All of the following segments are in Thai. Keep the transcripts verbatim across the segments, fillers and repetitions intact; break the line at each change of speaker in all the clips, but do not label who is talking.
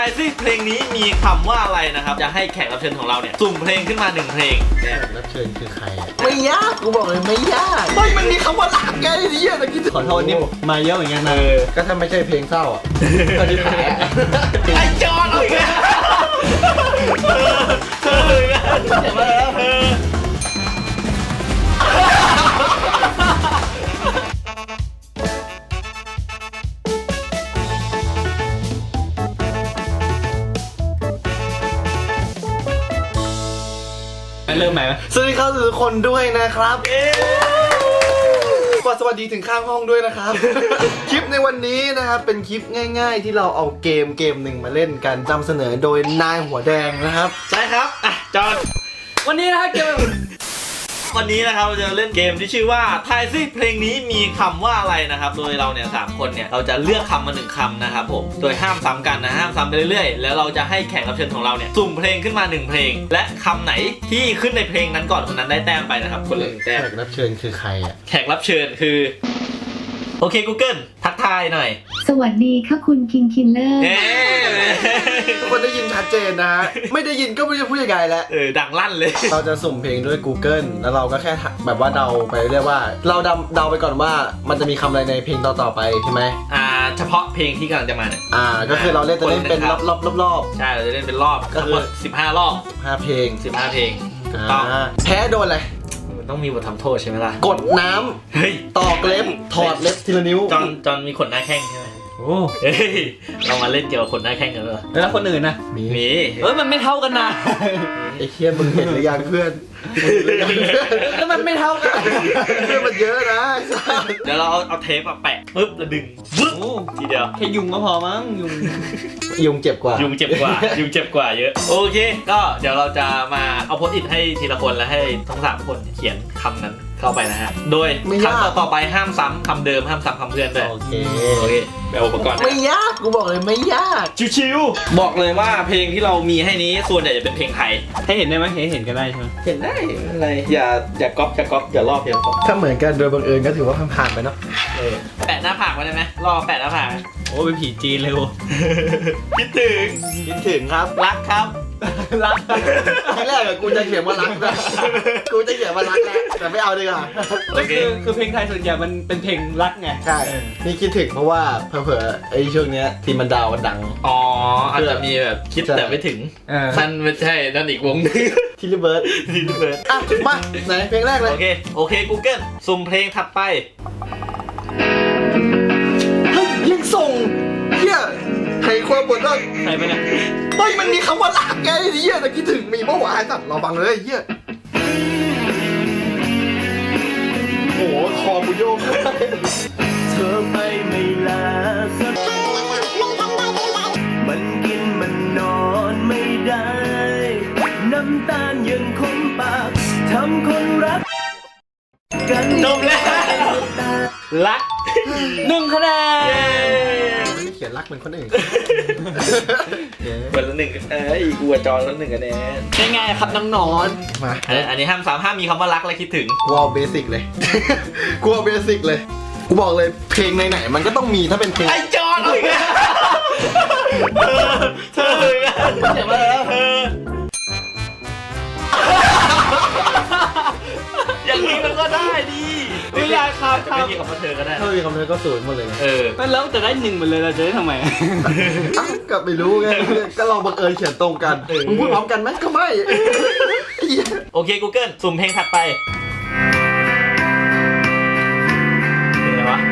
ายซิเพลงนี้มีคำว่าอะไรนะครับจะให้แขกรับเชิญของเราเนี่ยสุ่มเพลงขึ้นมาหนึ่งเพลง
แขกรับเชิญคือใครอ่ะไม่ยากกูบอกเลยไม่ยากเฮ้ยมันมีคำว่ารักไงเนี่ยตะกี้ขอโทษนี่มาเยอะเหมือนกันนะก็ถ้าไม่ใช่เพลงเศร้าอ่ะก็ที่แพ้
ไอจอนเอาอีกแล้วเออเออเจ็บมาแล้ว
เริ่มใหม่ไหมสวัสดีครับทุกคนด้วยนะครับสวัสดีถึงข้างห้องด้วยนะครับ คลิปในวันนี้นะครับเป็นคลิปง่ายๆที่เราเอาเกมเกมหนึ่งมาเล่นกันนำเสนอโดยนายหัวแดงนะครับ
ใช่ครับอ่ะจอน
วันนี้นะครับเกม
วันนี้นะครับเราจะเล่นเกมที่ชื่อว่าทายซิเพลงนี้มีคำว่าอะไรนะครับโดยเราเนี่ยสามคนเนี่ยเราจะเลือกคำมาหนึ่งคำนะครับผมโดยห้ามซ้ำกันนะห้ามซ้ำไปเรื่อยๆแล้วเราจะให้แขกรับเชิญของเราเนี่ยสุ่มเพลงขึ้นมาหนึ่งเพลงและคำไหนที่ขึ้นในเพลงนั้นก่อนคนนั้นได้แต้มไปนะครับคนละหนึ่งแต้ม
แขกรับเชิญคือใครอ่ะ
แขกรับเชิญคือโอเค Google ทักทายหน่อย
สวัสดีค่ะคุณคิงคินเลอร์
ทุกคนได้ยินชัดเจนนะฮะไม่ได้ยินก็ไม่รู้จะพูดยังไงแล้ว
เออดังลั่นเลย
เราจะสุ่มเพลงด้วย Google แล้วเราก็แค่แบบว่าเดาไปเรื่อยว่าเราเดาเดาไปก่อนว่ามันจะมีคำอะไรในเพลงต่อๆไปใช่ไหม
อ่าเฉพาะเพลงที่กำลังจะมาเนี่ย
อ่าก็คือเราเล่นจะเล่นเป็นรอบรอบรอบรอบ
ใช่เราจะเล่นเป็นรอบก็คือสิบห้ารอบ
สิบห้าเพลง
สิบห้าเพลงถูกต้อง
แพ้โดนอะไร
ต้องมีบททำโทษใช่ไหมล่ะ
กดน้ำเฮ้ยตอกเล็บถอดเล็บทีละนิ้ว
จอนจอนมีขนหน้าแข้งใช่ไหมโอ้เฮ้ยเรามาเล่นเกี่ยวกับขนหน้าแข้งกันเลย
แล้วคนอื่นนะ
มีมี
เฮ้ยมันไม่เท่ากันนะ
ไอ้เคียมึงเห็นหรือยังเพื่อน
แล้วมันไม่เท่ากัน
เพื่อนมันเยอะนะ
เดี๋ยวเราเอาเอาเทปมาแปะปึ๊บแล้วดึงปึ๊บทีเดียว
แค่ยุงก็พอมั้งยุง
ยุงเจ็บกว่า
ยุงเจ็บกว่ายุงเจ็บกว่าเยอะโอเคก็เดี๋ยวเราจะมาเอาโพสต์อิทให้ทีละคนแล้วให้ทั้งสามคนเขียนคำนั้นเข้าไปนะฮะโดยคำต่อต่อไปห้ามซ้ำคำเดิมห้ามซ้ำคำเพื่อนด้วย
โอเค
โอเคไปอุปกรณ์
ไม่ยากกูบอกเลยไม่ยาก
ชิวๆบอกเลยว่าเพลงที่เรามีให้นี้ส่วนใหญ่จะเป็นเพลงไทย
ให้เห็นได้ไหมให้เห็นก็ได้ใช่ไหม
เห็นได้อะไรอย่าอย่าก๊อปอย่าก๊อปอย่าลอกเพียงก๊อป
ถ้าเหมือนกันโดยบังเอิญก็ถือว่าผ่านไปเนาะ
แปะหน้าผากไว้ได้ไหมรอแปะหน้าผาก
โอ้เป็นผีจีนเลยโว้
คิดถึง
คิดถึงครับ
รักครับ
รักทีแรกอะกูจะเขียนว่ารักนะกูจะเขียนว่ารักแหละแต่ไม่เอาดีกว่า
โอเคคือเพลงไทยส่วนใหญ่มันเป็นเพลงรักไง
ใช่นี่คิดถึงเพราะว่าเผลอๆไอ้ช่วงเนี้ยทีมันดาวมันดัง
อ๋ออาจจะมีแบบคิดแต่ไม่ถึงนั่นไม่ใช่นั่นอีกวงนึง
ทีรีเบิร์ด
ทีรีเบิร์ด
อ่ะมาไหนเพลงแรกเลย
โอเคโอเค Google สุ่มเพลงถัดไป
เฮ้ยยิงส่งเฮียให้ความบทว่า
ใครไปเนี่ย
เฮ้ยมันมีคำว่ารักไงเฮียแต่คิดถึงมีเมื่อวานสัตว์เราฟังเลยเฮียโอ้โหคอบุโยกเธอไปไม่ลาสักมันกินมันนอนไม่ได้น้ำตาลยังคงปากทำคนรัก
กันจบแล้วรัก
หนึ่งคะแนน
เขียนรักเหมือนคนอื่น
เหมือนละหนึ่งเอ้ยกูจอนละหนึ่งคะแนน
ง่ายๆครับน้องนอน
มาอันนี้ห้ามสามห้ามมีคำว่ารักและคิดถึง
กูเอาเบสิกเลยกูเอาเบสิกเลยกูบอกเลยเพลงไหนๆมันก็ต้องมีถ้าเป็นเพลง
ไอจอนเอาอีกแล้วเธอเธอเจ็บมาแล้วอย่างนี้มันก็ได้ดี
ไม่ยากครับ
ไม่มีคำว่าเธอก็ได้
ถ้ามีคำเธอก็ศูนย์หมดเลย
เออ
แล้วจะได้หนึ่งหมดเลยเราจะได้ทำไม
ก็ไม่รู้ไงก็ลองบังเอิญเขียนตรงกันมึงพูดพร้อมกันไหมก็ไม่
โอเค Google สุ่มเพลงถัดไปเพลงอะไรวะ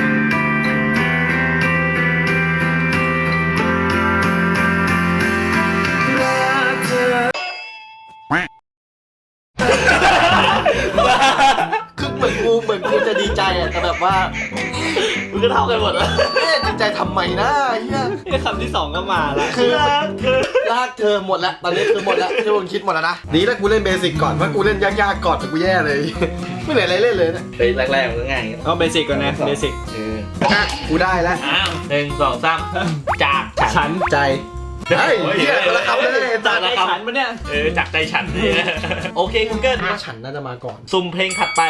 คือเหมือนกูเหมือนกูจะดีใจอะแต่แบบว่า
มึงก็เท่ากันหมดแล้ว
ดีใจทำไมนะเฮีย
คำที่สองก็มาละ
คือรักเธอรักเธอหมดแล้วตอนนี้คือหมดแล้วที่มึงคิดหมดแล้วนะดีแล้วกูเล่นเบสิกก่อนว่ากูเล่นยากๆก่อนแต่กูแย่เลยไม่เหลืออะไรเล่นเลยนะ
เฮ้ยแรกๆมันก็ง่าย
เอาเบสิกก่อนนะเบสิก
เออ
กูได้แล้ว
อ้าวหนึ่งสองสามจาก
ฉัน
ใจเฮ้ยเฮียคนละคำเลย
จากใจฉันปะเนี่ย
เออจากใจฉันเนี่ยโอเค Google
ฉันน่าจะมาก่อน
สุ่มเพลงถัดไป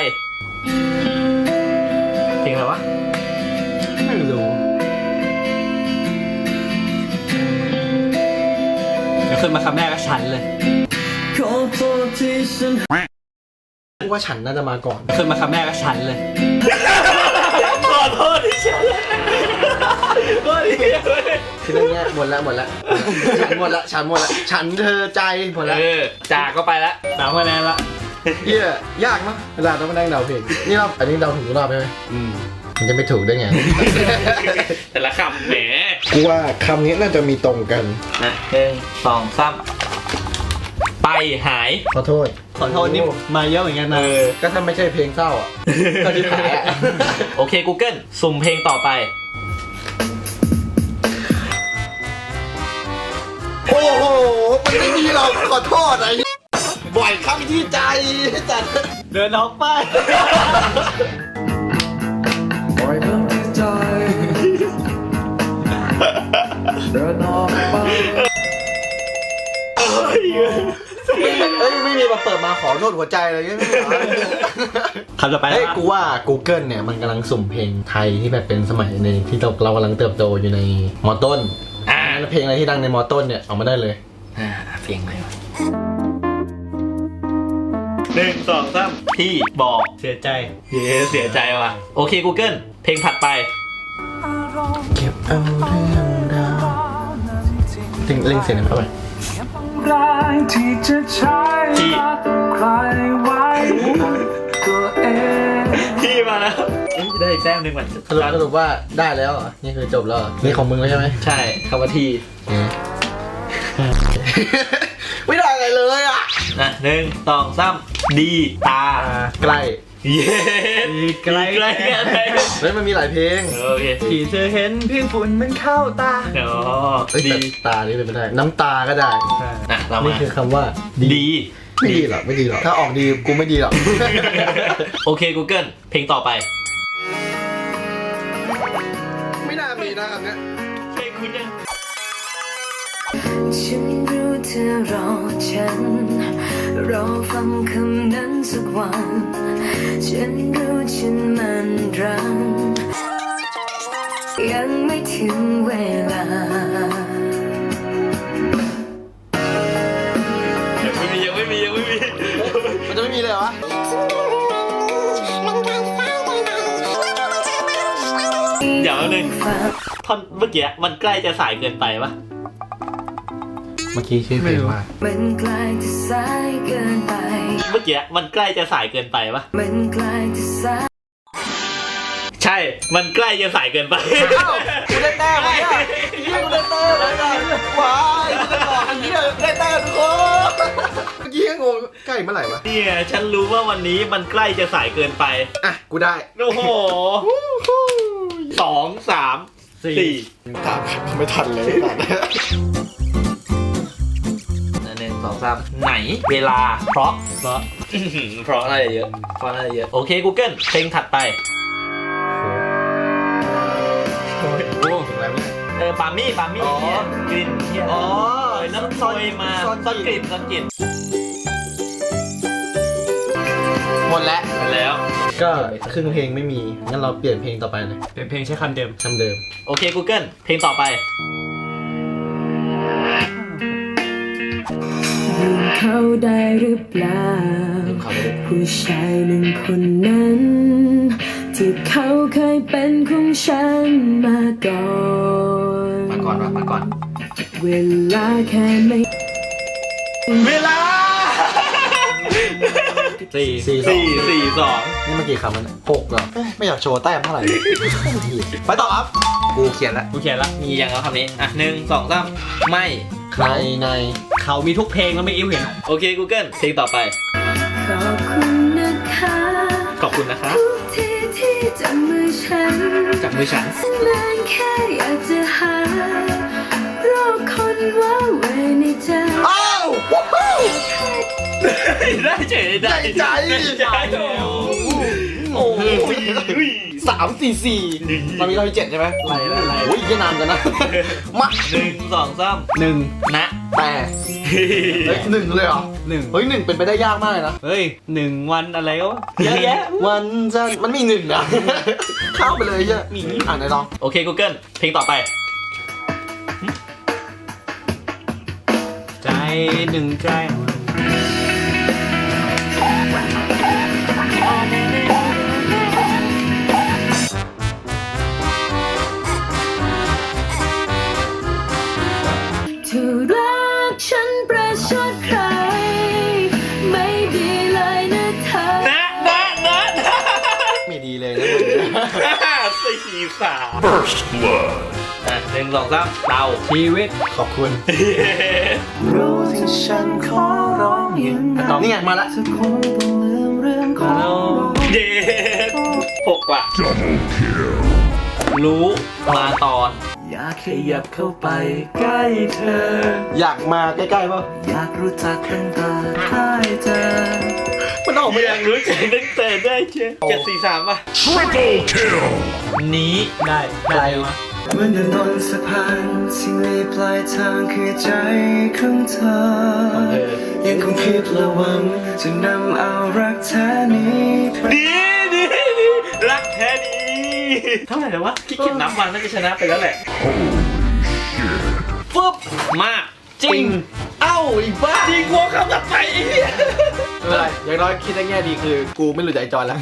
เพลงอะไรวะ
ไม่รู้
ขึ้นมาคำแรกก็ฉันเลย
กูว่าฉันน่าจะมาก่อน
ขึ้นมาคำแรกก็ฉันเลย
ขอโทษที่ฉันโทษที
คือเรื่องเนี้ยหมดแล้วหมดแล้วฉันหมดแล้วฉันหมดแล้วฉันเธอใจหมดแล้ว
เออจากก็ไปแล้ว
สามคะแนนละ
เฮียยากมั้ยเวลาต้องมานั่งเดาเพลงนี่เราอันนี้เดาถูกทุกรอบใช่ไหม
อืม
มันจะไม่ถูกได้ไง
แต่ละคำแหม
กูว่าคำนี้น่าจะมีตรงกัน
นะหนึ่งสองสามไปหาย
ขอโทษ
ขอโทษนี่มาเยอะเหมือนกันนะ
ก็ถ้าไม่ใช่เพลงเศร้าอ่ะก็ที่แพ้อะ
โอเค Google สุ่มเพลงต่อไป
โอ้โหมันไม่มีหรอกขอโทษไอ้บ่อยคำที่ใจจัด
เดินออกไป
บ่อยคำที่ใจเดินออกไปเอ้ยไม่มีมาเปิดมาขอโทษหัวใจเลยไม่มี
คำต่อไป
เฮ้ยกูว่า Google เนี่ยมันกำลังสุ่มเพลงไทยที่แบบเป็นสมัยในที่เราเรากำลังเติบโตอยู่ในมอต้น
อ่า
แล้วเพลงอะไรที่ดังในมอต้นเนี่ยเอามาได้เลย
อ่าเพลงอะไรวะหนึ่งสองสามที่บอก
เสียใจ
เย้เสียใจว่ะโอเค Google เพลงถัดไป
เก็บเอาเรื่องราวถึงเล่งเสียงหน่อยเข้าไป
ที่จะใช้รักใครไว้ตัวเอง
ที่มาแล้วเอ๊ะได้อีกแต้มหนึ่งมัน
สรุปสรุปว่าได้แล้วเหรอนี่คือจบแล้วเหรอนี่ของมึงแล้วใช่ไหม
ใช่คำว่าที่
ไม่ได้อะไรเลยอ่ะ
นะหนึ่งสองสามดีตา
ใกล้
เย้
ใกล้
ใกล้กันเลย
เฮ้ยมันมีหลายเพลง
โอเค
ที่เธอเห็นเพียงฝุ่นมันเข้าตา
อ๋อ
เฮ้ย
ดี
แต่ตานี่เป็นไม่ได้น้ำตาก็ได้
นะเรา
นี่
มา
คือคำว่า
ดี
ไม่ดีหรอกไม่ดีหรอกถ้าออกดีกูไม่ดีหรอก
โอเค Google เพลงต่อไป
ไม่น่ามีนะคำนี้
เพลงคุณยัง
ฉันรู้เธอรอฉัน รอฟังคำนั้นสักวัน ฉันรู้ฉันมันรังยังไม่ถึงเวลา
ยังไม่มียังไม่มียังไม่มี
มันจะไม่มีเลยเหรอวะ
เดี๋ยวหนึ่งท่อนเมื่อกี้มันใกล้จะสายเกินไปปะ
เมื่อกี้ชื่อเพลงว่า
มันใกล้จะสายเกินไป
เมื่อกี้มันใกล้จะสายเกินไปปะ
มันใกล้จะสาย
ใช่มันใกล้จะสายเกินไป
อ้าวกูได้แต้มแล้วเนี่ยยี่กูได้แต้มแล้วเนี่ยว้ายกูจะบอกอันนี้ได้แต้มทุกคนเมื่อกี้ยังงงใกล้เมื่อไหร่วะ
เนี่ยฉันรู้ว่าวันนี้มันใกล้จะสายเกินไป
อ่ะกูได้
โอ้โหสองสามสี่
ตามไม่ทันเลยตัด
หนึ่งสองสามไหนเวลาเพราะ
เพราะ
อื้อหือเพราะอะไรเยอะเพราะอะไรเยอะโอเค Google เพลงถัดไป
โอ้โหอะไรเนี่ย
เออปามี่ปามี่
อ๋อ
เนี่ยกลิ่นเนี่ย
อ๋อ
เออน้ำซอยมา
ซ่อน
ซ่อน
ก
ก
ลิ่
ลิ่
น
นซ่อนกลิ่น
หมดแล้ว
แล้ว
ก็ครึ่งเพลงไม่มีงั้นเราเปลี่ยนเพลงต่อไปเลย
เป็นเพลงใช้คำเดิม
คำเดิม
โอเค Google เพลงต่อไป
ลืมเขาได้หรือเปล่า ผู้ชายหนึ่งคนนั้น ที่เขาเคยเป็นของฉันมาก่อน
มาก่อนมามาก่อน
เวลาแค่ไม่
เวลา
สี่
สี่สอง
สี่สี่สอง
นี่เมื่อกี้คำมันยหกเหรอเอ้ยไม่อยากโชว์แต้มเท่าไหร่เลยไปต่อครับกูเขียนแล้ว
กูเขียนละ
มีอย่างแล้วคำนี้อ่ะหนึ่งสองสามไม่
ในใน
เขามีทุกเพลงแล้วไม่อิ้วเห็น
โอเค Google เพลงต่อไป
ขอบคุณนะคะ
ขอบคุณนะคะ
ทุกที่ที่จับมือฉัน
จับมือฉัน
นานแค่อยากจะหารอคนว่าเวในใจ
อ้าวว้าว
ได้เฉยได้
ใจ
ได้ใจโอ้โห
สามสี่สี่มันมีร้อยเจ็ดใช่ไหม
ไรไรไร
โอ้ยแค่นานกันนะ มา
หนึ่งสองสาม
หนึ่ง
นะ
แปดเฮ้ยหนึ่งเลยเหรอ
หนึ่ง
เฮ้ยหนึ่งเป็นไปได้ยากมากเลยนะ
เฮ้ยหนึ่งวันอะไรก็เยอะแยะ
วันจันทร์มันมีหนึ่งนะ เข้าไปเลยใช่มีอ่านไหนลอง
โอเค Google เพลงต่อไป
ใจหนึ่งใจ
เธอรักฉันประชดใคร ไม่ดีเลยนะเธอ
นะนะนะนะ
ไม่ดีเลยนะ
สี่สามอ่ะหนึ่งสองสามเตา
ชีวิต
ขอบคุณ
รู้ที่ฉันขอร้องยังไง
นี่ไงมาละ
เธอคงต้องลืมเรื่องของเรา
เย้หกว่ะรู้มาตอน
อยากขยับเข้าไปใกล้เธอ
อยากมาใกล้ๆป่ะ
อยากรู้จักตั้งแต่ได้เจอ
มันออก
ไม่
ไม่
อยากรู้จักตั้งแต่ได้เจอเจ็ดสี่สามป่ะนี้
ได้ได้มา
เหมือนเดินบนสะพานที่มีปลายทางคือใจของเธอ ยังคงคิดและหวังจะนำเอารักแท้นี้ไป
ดีดีดีรักแท้ดีเท่าไหร่แล้ววะขี้เกียจนับวันน่าจะชนะไปแล้วแหละฟึบมากจริง
เอ้าอีกบ้า
จริงวัวคำตัดไปไอ้เหี้ย
ไม่เป็นไรอย่างน้อยคิดในแง่ดีคือ กูไม่รู้ใจจอนแล้ว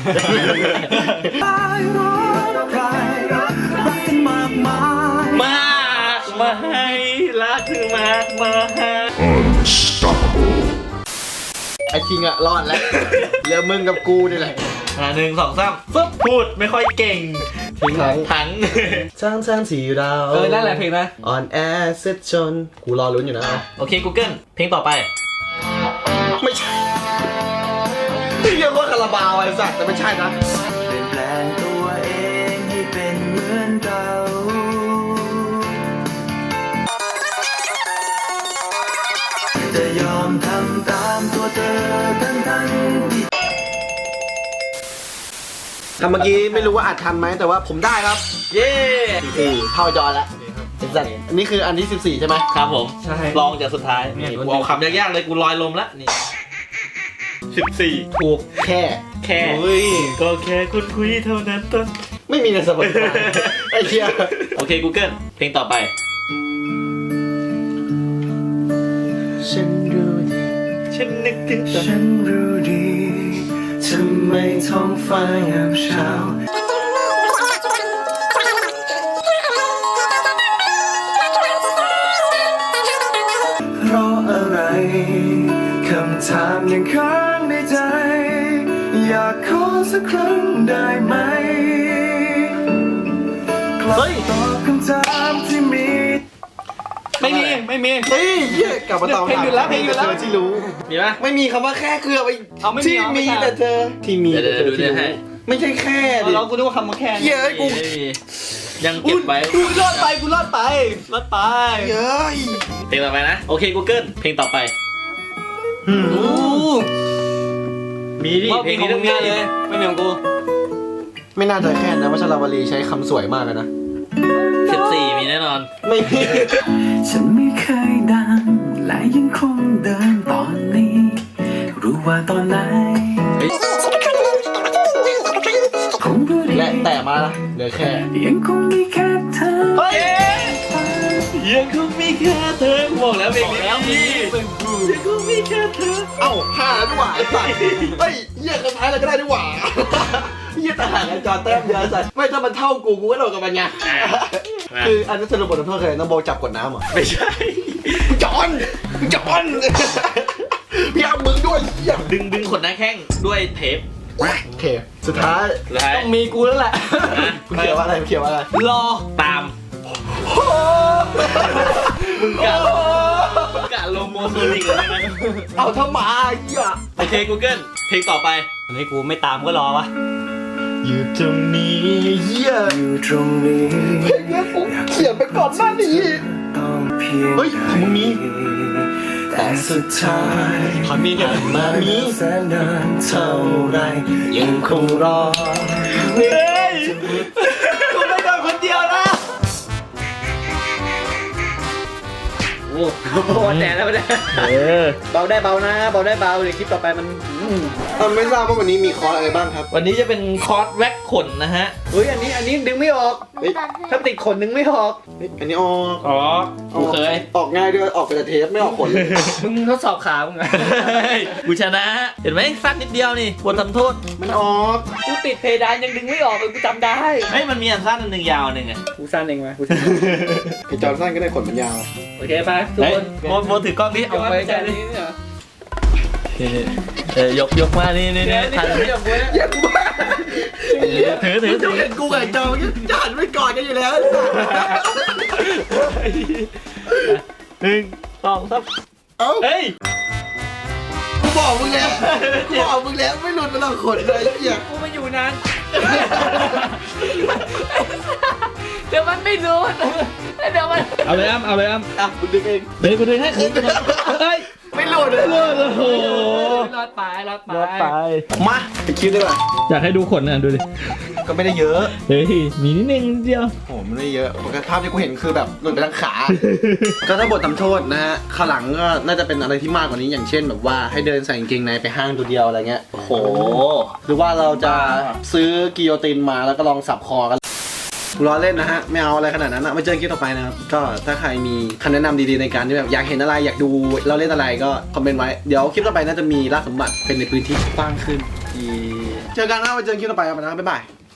มากมาให้รักคือมากมาให้
ไอ้คิงอะรอดแล้วเหลือมึงกับกูนี่แหละ
อ่าหนึ่งสองสามฟึบพูดไม่ค่อยเก่ง
ทิ้งทั้ง
ทั้ง
ทั้งทั้งที่เรา
เออนั่นแหละเพลงนะ
อ่อนแอเสียจนกูรอลุ้นอยู่นะ
โอเค Google เพลงต่อไป
ไม่ใช่ที่เรียกว่าคาราบาวไอ้สัตว์แต่ไม่ใช่นะ
เปลี่ยนแปลงตัวเองให้เป็นเหมือนเก่าจะยอมทำตามตัวเธอทั้งทั้งที่
คำเมื่อกี้ไม่รู้ว่าอัดทันไหมแต่ว่าผมได้ครับ
เย้
สี่เข้าจอแล้วไอ้สัตว์อันนี้คืออันที่สิบสี่ใช่ไหม
ครับผม
ใช่
ลองจากสุดท้าย
เนี่ย
นี่กูเอาคำยากๆเลยกูลอยลมแล้วนี่สิบสี่
ถูกแค่
แค่
เฮ้ย
ก็แค่คุณคุยเท่านั้นต้น
ไม่มีในสมองไอ้เหี้ย
โอเค Google เพลงต่อไป
ฉันรู้ดี
ฉันนึกถึงตอน
ฉันรู้ดีทำไมท้องฟ้าเงียบเช้าเพราะอะไรคำถามยังค้างในใจ อยากขอสักครั้งได้ไหมกลับตอบคำถามที่มี
ไม่มีไม่มี
เฮ้ยเหี้ยกลับมาตอบ
เพลงอยู่แล้วเพลงอยู่แล้ว
เธอที่รู้
มีปะ
ไม่มีคำว่าแค่คือเอาไป
เอาไม่มี
ที่
เอาไม่
มี
ใช่
แต่เธอที่มี
เดี๋ยว
แต่เธอ
เดี๋ยวดู
ที่
ให้
รู้ไม่ใช่แค่ดิ
เรากูนึกว่าคำว่าแค่
เหี้ยไอ้กู
ไม่มียังเก็บไว้
กูรอดไปกูรอดไปรอดไป
เย้ย
เพลงต่อไปนะ โอเค Google เพลงต่อไป มีดิ
ว่า
เพ
เพ
ล
ล
ง
ง
นี้
นี้
ต้
ต้
อ
อง ง
มี
ง่ายเลย ไม่เหมือนกู
ไม่น่าจะแค่นะวัชรวลีใช้คำสวยมากเลยนะ
สิบสี่มีแน่นอน
ไม่มี
ฉันไม่เคยดังและยังคงเดินตอนนี้ รู้ว่าตอนไหน
เฮ้ย
คงรู้ดี
และแต่มาละเหลือแค่
ยังคงมีแค่เธอ
เฮ้ยยังคงมีแค่เธอบอกแล้วเพลงนี้แล้วมียังคงมีแค่เธอ
เอ้าห้าแล้วด้วยไอ้สัตว์เฮ้ยเหี้ยคนท้ายเราก็ได้ด้วยหว่าเหี้ยแต่ห่างกันจอแต้มเยอะสัตว์ไม่ถ้ามันเท่ากูกูก็โดนกับมันไงคืออันนั้นสรุปบทลงโทษคือน้องโบจับกดน้ำเหรอ
ไม่ใช่
จอนจอนพี่เอามึงด้วยเหี้ย
ดึงดึงขนหน้าแข้งด้วยเทป
โอเคสุดท้าย
สุดท้าย
ต้องมีกูแล้วแหละ
มึงเขียนว่าอะไรมึงเขียนว่าอะไร
รอ
ตามมึงกะมึงกะโลโมโซนิกเลยนะ
เอาถ้ามาเหี้ย
โอเค Google เพลงต่อไป
อันนี้กูไม่ตามก็รอวะ
อยู่ตรงนี้เหี้ย
อยู่ตรงนี้
เพลงนี้ผมเขียนไปก่อนหน้านี้
ต้องเพียง
เฮ้ยของมึงมี
แต่สุดท้าย
ขอมีเดี๋ยว
มามีแสนนานเท่าไรยังคงรอ
เฮ้ยกูไม่โดนคนเดียวนะ
ว
โอ้แต่แล้วไม่ได้
เออ
เบาได้เบานะเบาได้เบาเดี๋ยวคลิปต่อไปมันอืม
เออไม่ทราบว่าวันนี้มีคอร์สอะไรบ้างครับ
วันนี้จะเป็นคอร์สแว็กขนนะฮะ
เฮ้ยอันนี้อันนี้ดึงไม่ออก
เฮ้ย
ถ้าติดขนดึงไม่ออก
เฮ้ยอันนี้ออก
อ๋อกูเคย
ออกง่ายด้วยออกเป็นแต่เทปไม่ออกขน
มึงทดสอบขามึงอะ
กูชนะ เห็นไหมสั้นนิดเดียวนี่บททำโทษ
มันออก
กูติดเพดานยังดึงไม่ออกเลยกูจำได้
เฮ้ยมันมีอันสั้นอันหนึ่งยาวอันหนึ่งอะ
กูสั้นเองไหมกูสั้น
ไอจอร์นสันก็ได้ขนมันยาว
โอเคไปทุก
เฮ้ย
คน
โมโมถือกล้องดิ
เอา
เอา
ไป
ไป
แค่
ดิ
นี้เนี่ย
เออยกยกมานี่นี่
เดี๋
นี่
ยวนี่
ถ่าย
เดี๋ยวกูเนี่ย
เย็นบ้า
ถือถือถือ
เห็นกูกับไอ้จอร์นจะหันไปกอดกันอยู่แล้ว
หนึ่งสองสาม
เอ้า
เฮ้ย
กูบอกมึงแล้วบอกมึงแล้วไม่หลุดมาหรอกขนเลยไอ้เหี้ย
กูมาอยู่นานเดี๋ยวมันไม่รู้เดี๋ยวมัน
เอาเลยอ้ำเอาเลยอ้ำ
อ่ะมึงดึงเอง
เดี๋ยวกูดึงให้ดึงเฮ้ย
ไม่หลุดเลย
เลิศโอ้โห
รอดไปรอดไป
รอดไป
มาไปคิดดีกว่า
อยากให้ดูขนนะดูดิ
ก็ไม่ได้เยอะ
เฮ้ยมีนิดนึงนิดเดียว
โอ้มันไม่ได้เยอะปกติภาพที่กูเห็นคือแบบหลุดไปทางขา ก็ถ้าบททำโทษนะฮะข้างหลังก็น่าจะเป็นอะไรที่มากกว่านี้อย่างเช่นแบบว่าให้เดินใส่กางเกงในไปห้างตัวเดียวอะไรเงี้ย
โอ้โห
หรือว่าเราจะซื้อกิโยตินมาแล้วก็ลองสับคอกันล้อเล่นนะฮะไม่เอาอะไรขนาดนั้นนะมาเจอกันคลิปต่อไปนะครับก็ถ้าใครมีคำแนะนำดีๆในการที่แบบอยากเห็นอะไรอยากดูเราเล่นอะไรก็คอมเมนต์ไว้เดี๋ยวคลิปต่อไปน่าจะมีล่าสมบัติเป็นในพื้นที่กว้างขึ้นเจอกันนะมาเจอกันคลิปต่อไปครับนะบ๊ายบาย